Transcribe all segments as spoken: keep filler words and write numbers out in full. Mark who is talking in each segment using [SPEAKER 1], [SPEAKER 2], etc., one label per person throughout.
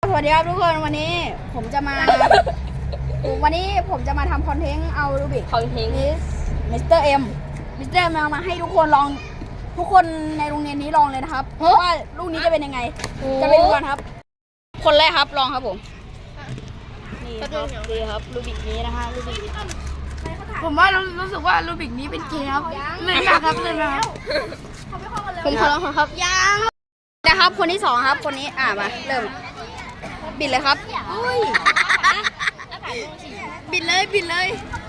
[SPEAKER 1] สวัสดีครับทุกคนวันนี้ผมจะมา วันนี้ผมจะมาทำคอนเทนต์เอารูบิก
[SPEAKER 2] คอนเทนต์
[SPEAKER 1] นี้มิสเตอร์เอ็มมิสเตอร์เอ็มมาให้ทุกคนลองทุกคนในโรงเรียนนี้ลองเลยนะครับว่าลูกนี้จะเป็นยังไงจะไปดูกันครับ คนแรกครับลองครับผมนี่ครับนี่ครับรูบิกนี้นะฮะรูบิกผมว่ารู้สึกว่ารูบิกนี้เป็นเกมครับเล่นมากครับเล่นมากผมขอลองครับยังนะครับคนที่สองครับคนนี้อ่ามาเริ่มบิดเลยครับบิดเลยบิดเลย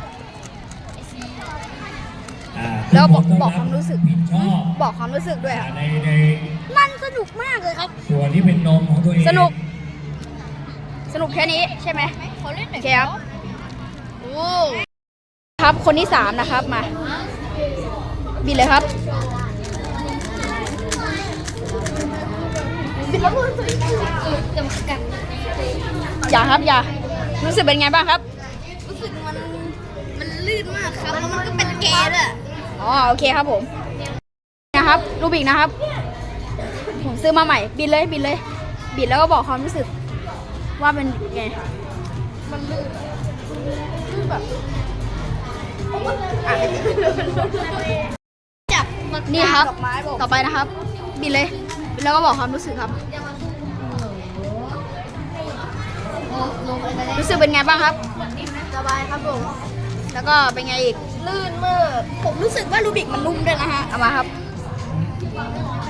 [SPEAKER 1] แล้วบอกบอกความรู้สึกบอกความรู้สึกด้วยครับมันสนุกมากเลยครับ
[SPEAKER 3] ส่วนที่เป็นนมของตัวเอง
[SPEAKER 1] สนุกสนุกแค่นี้ใช่ไหมโอเคครับครับคนที่สามนะครับมาบิดเลยครับอย่าครับอย่ารู้สึกเป็นไงบ้างครับ
[SPEAKER 2] รู้สึกมันมันลื่นมากครับแล้วมันก็เป็นเกย์ด้วย
[SPEAKER 1] อ๋อโอเคครับผมนะครับรูบิกนะครับผมซื้อมาใหม่บิดเลยบิดเลยบิดแล้วก็บอกความรู้สึกว่าเป็นไง
[SPEAKER 2] มันลื่นลื่นแบบจับ
[SPEAKER 1] นี่ครับต่อไปนะครับบิดเลยบิดแล้วก็บอกความรู้สึกครับรู้สึกเป็นไงบ้างครับ
[SPEAKER 2] สบายครับผม
[SPEAKER 1] แล้วก็เป็นไงอีก
[SPEAKER 2] ลื่นมาก
[SPEAKER 1] ผมรู้สึกว่ารูบิกมันนุ่มด้วยนะฮะเอามาครับ